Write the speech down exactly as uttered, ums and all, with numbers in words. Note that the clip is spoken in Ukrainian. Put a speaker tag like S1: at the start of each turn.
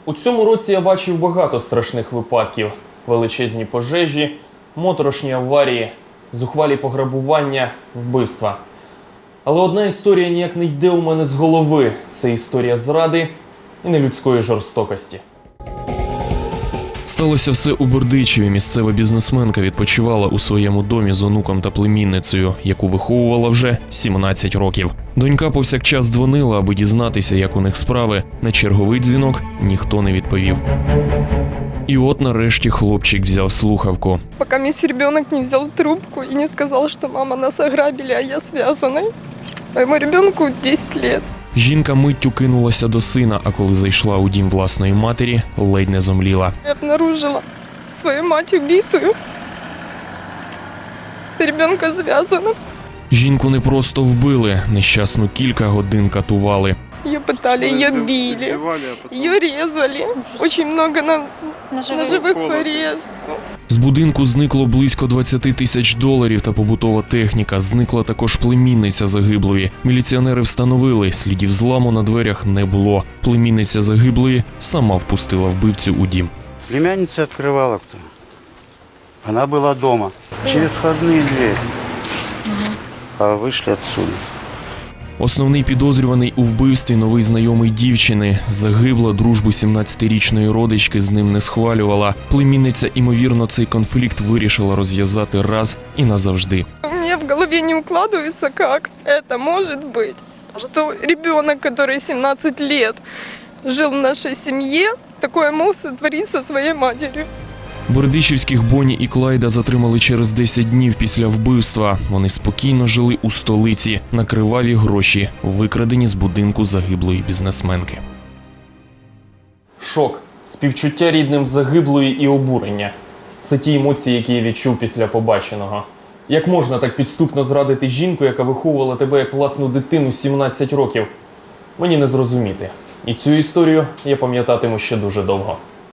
S1: У цьому році я бачив багато страшних випадків. Величезні пожежі, моторошні аварії, зухвалі пограбування, вбивства. Але одна історія ніяк не йде у мене з голови. Це історія зради і нелюдської жорстокості.
S2: Сталося все у Бердичеві. Місцева бізнесменка відпочивала у своєму домі з онуком та племінницею, яку виховувала вже сімнадцять років. Донька повсякчас дзвонила, аби дізнатися, як у них справи. На черговий дзвінок ніхто не відповів. І от нарешті хлопчик взяв слухавку.
S3: Пока мисс ребенок не взял трубку и не сказал, что мама нас ограбили, а я связанной. Моему ребенку десять лет.
S2: Жінка миттю кинулася до сина, а коли зайшла у дім власної матері, ледь не зомліла.
S3: Я обнаружила свою мать убитую. Ребенка связана.
S2: Жінку не просто вбили, нещасну кілька годин катували.
S3: Ее пытали, ее били, ее резали. Очень много на, ножевых порезов.
S2: З будинку зникло близько двадцять тисяч доларів та побутова техніка. Зникла також племінниця загиблої. Міліціонери встановили, слідів зламу на дверях не було. Племінниця загиблої сама впустила вбивцю у дім.
S4: Племянница открывала кто? Она была дома. Через входные двери. А вышли отсюда.
S2: Основний підозрюваний у вбивстві новий знайомий дівчини. Загибла, дружбу сімнадцятирічної родички з ним не схвалювала. Племінниця, ймовірно, цей конфлікт вирішила розв'язати раз і назавжди.
S3: У меня в голове не укладывается, как это может быть, что ребенок, который семнадцать лет жил в нашей семье, такое мог сотворить со своей матерью.
S2: Бердичівських Бонні і Клайда затримали через десять днів після вбивства. Вони спокійно жили у столиці на криваві гроші, викрадені з будинку загиблої бізнесменки.
S1: Шок, співчуття рідним загиблої і обурення. Це ті емоції, які я відчув після побаченого. Як можна так підступно зрадити жінку, яка виховувала тебе як власну дитину сімнадцять років? Мені не зрозуміти. І цю історію я пам'ятатиму ще дуже довго.